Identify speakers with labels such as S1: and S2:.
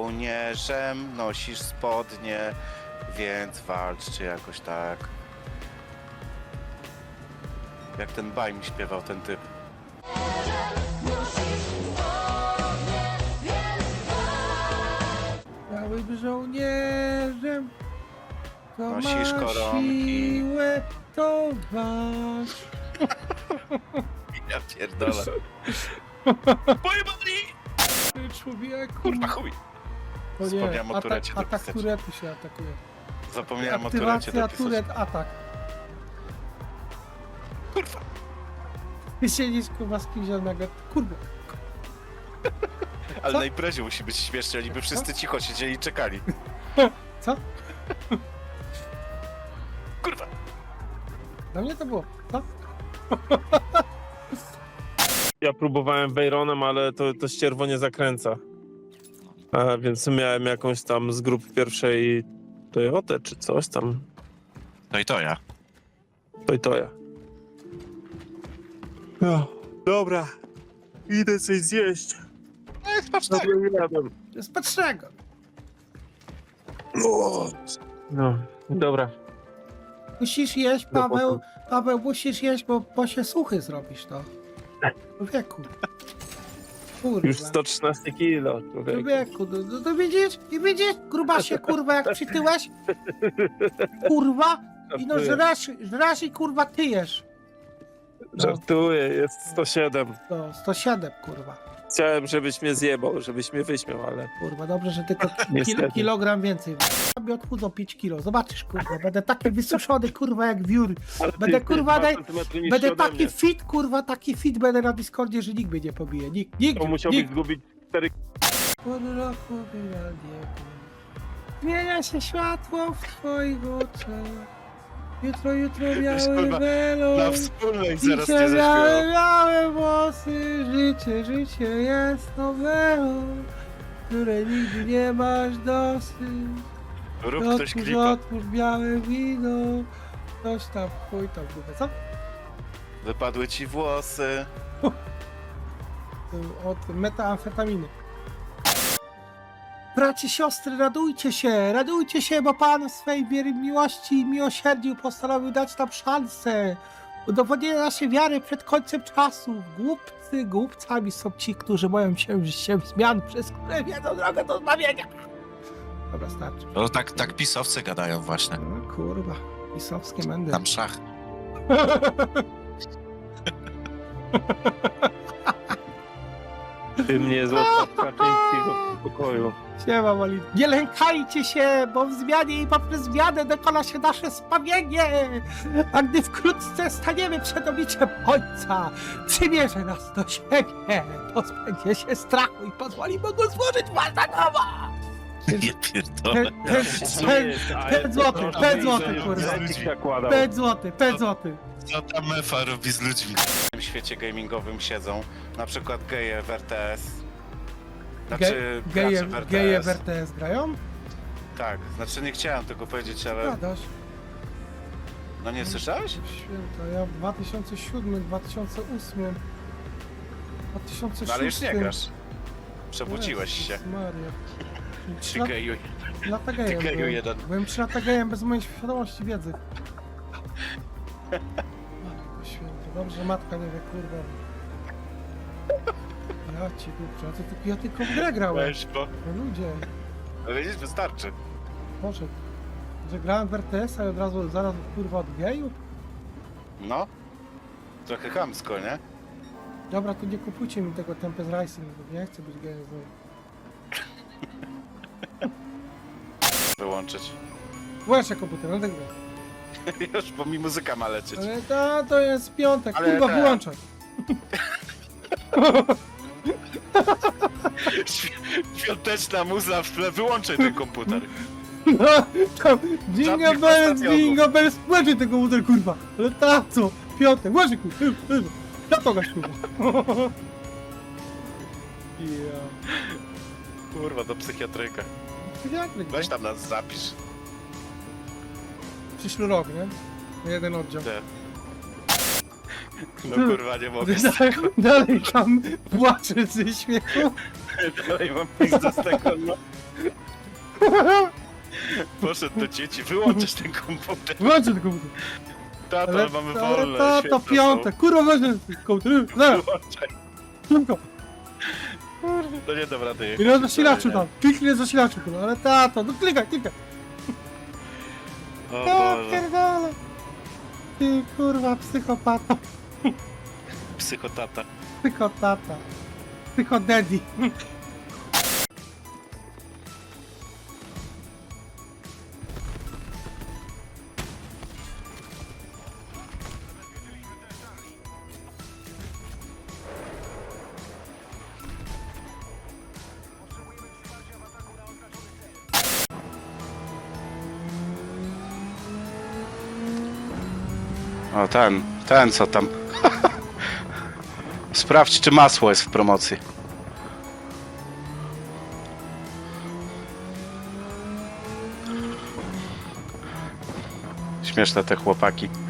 S1: żołnierzem, nosisz spodnie, więc walczcie jakoś tak. Jak ten baj mi śpiewał ten typ.
S2: Białym żołnierzem, to
S1: Nosisz
S2: ma
S1: koronki.
S2: siłę, to walcz.
S1: Ja pierdolę. Pojebani!
S2: Człowieku.
S1: Kurwa chuj!
S2: O nie,
S1: Wspomniałem o turecie
S2: atak
S1: dopisać.
S2: turetu się atakuje.
S1: Zapomniałem o turecie
S2: Aktywacja
S1: dopisać.
S2: turet, atak.
S1: Kurwa!
S2: Ty siedzisz kurwa z kimś nagle, kurwa.
S1: Ale
S2: Co?
S1: na imprezie musi być śmiesznie, oni by wszyscy cicho siedzieli i czekali.
S2: Co?
S1: Kurwa!
S2: Dla mnie to było, co?
S3: Ja próbowałem Veyronem, ale to ścierwo nie zakręca. A więc miałem jakąś tam z grup pierwszej Toyotę czy coś tam.
S1: No i to ja.
S3: To ja. No, dobra. Idę coś zjeść.
S1: tak.
S3: Jadłem.
S2: To jest patrzego.
S3: No, dobra.
S2: Musisz jeść,
S3: No,
S2: Paweł. Paweł, musisz jeść, bo się suchy zrobisz to. Człowieku. Kurwa.
S3: Już 113 kilo, człowiek.
S2: Człowieku, to widzisz? I widzisz? Grubasie, kurwa, jak przytyłeś? Kurwa. I no żrasz i kurwa tyjesz.
S3: Żartuję, jest 107.
S2: No, 107, kurwa.
S3: Chciałem, żebyś mnie zjebał, żebyś mnie wyśmiał, ale...
S2: Kurwa, dobrze, że tylko
S3: Niestety.
S2: kilogram więcej. Sobie odchudzą 5 kilo. Zobaczysz, kurwa. Będę taki wysuszony, kurwa, jak wiór.
S3: ale
S2: Będę, kurwa,
S3: 2 centymetry niższy
S2: Będę
S3: ode
S2: taki
S3: mnie.
S2: fit, kurwa, taki fit będę na Discordzie, że nikt mnie nie pobije. Nikt.
S3: To musiałbyś zgubić 4
S2: Pół roku wyjadnie. Zmienia się światło w twoich oczach. Jutro biały
S1: kurwa,
S2: welon.
S1: Na wspólnej zaraz nie
S2: Dzisiaj
S1: zaśpiewał.
S2: białe włosy. Życie jest nowelą, której nigdy nie masz dosyć.
S1: Rób ktoś klipa.
S2: Otwórz białe wino. Coś tam, chuj tam, kurwa, co?
S1: Wypadły ci włosy.
S2: Od metamfetaminy. Bracie, siostry, radujcie się, bo Pan w swej miłości i miłosierdziu postanowił dać nam szansę. Udowodnienie naszej wiary przed końcem czasów. Głupcami są ci, którzy boją się zmian, przez które wiedzą drogę do zbawienia. Dobra, starczy.
S1: No tak pisowcy gadają właśnie.
S2: No, kurwa, pisowskie mędy.
S1: Tam szach.
S3: Ty mnie złapał Kaczyńskiego w pokoju.
S2: Siema, Malin. Nie lękajcie się, bo w zmianie i poprzez zmianę dokona się nasze zbawienie. A gdy wkrótce staniemy przed obliczem Ojca, przymierze nas do siebie, pozbędzie się strachu i pozwoli Bogu złożyć was na nowo.
S1: Nie pierdolę.
S2: 5 złotych, 5 złotych, kurwa. 5 złotych, 5 złotych.
S1: Co ta mefa robi z ludźmi? W tym świecie gamingowym siedzą na przykład geje w RTS. Znaczy gracze w RTS.
S2: Geje w RTS grają?
S1: Tak, znaczy nie chciałem tego powiedzieć, ale...
S2: Gadasz.
S1: No nie słyszałeś?
S2: Święta, ja w 2007, 2008, 2006...
S1: No ale już nie grasz. Przebudziłeś się.
S2: Jezus Maria.
S1: Ty geju.
S2: 3 lata gejem
S1: Ty geju
S2: byłem.
S1: jeden.
S2: Byłem 3 lata gejem bez mojej świadomości wiedzy. Matko święta, dobrze, że matka nie wie, kurwa. Ja ci kurczę, ja tylko w grę grałem.
S1: Weź, bo...
S2: No ludzie,
S1: No widzisz, wystarczy.
S2: może, że grałem w RTS-a i od razu, zaraz kurwa od geju?
S1: No. Trochę chamsko, nie?
S2: Dobra, to nie kupujcie mi tego Tempest Rising, bo nie chcę być gejem znowu.
S1: Wyłączyć.
S2: Włączę komputer, no tak grę.
S1: Już, bo mi muzyka ma lecieć.
S2: Ale to jest piątek,
S1: Ale
S2: kurwa,
S1: tak.
S2: wyłączaj.
S1: Świąteczna muza w tle, wyłączaj ten komputer.
S2: No, tam,
S1: Żadnych ostatnio
S2: jingle bells, włączaj tego komputer, kurwa. Ale ta co? Piątek, włączaj, kurwa. Ja to gaś, kurwa. Ja.
S1: Kurwa, do psychiatryka. Weź tam nas zapisz.
S2: Przyszły rok, nie? Jeden oddział.
S1: Te. No kurwa, nie mogę.
S2: Dalej tam płaczę ze śmiechu.
S1: Dalej mam pizdę z tego, no. Poszedł do dzieci, wyłączysz ten komputer.
S2: Włączę ten komputer.
S1: Tato,
S2: Ale,
S1: mamy
S2: ale
S1: wolne.
S2: to
S1: świetne
S2: piątek, kurwa, weźmy komputer,
S1: są.
S2: zaraz,
S1: Wyłączaj.
S2: szybko.
S1: To nie dobra, ty.
S2: I na zasilaczu tam, kliknij na zasilaczu, kurwa, ale tato, no klikaj.
S1: O
S2: Ja
S1: Boże.
S2: pierdolę. Ty kurwa, psychopata,
S1: Psychotata.
S2: psychotata, psychodaddy.
S1: O, ten co tam. Sprawdź, czy masło jest w promocji. Śmieszne te chłopaki.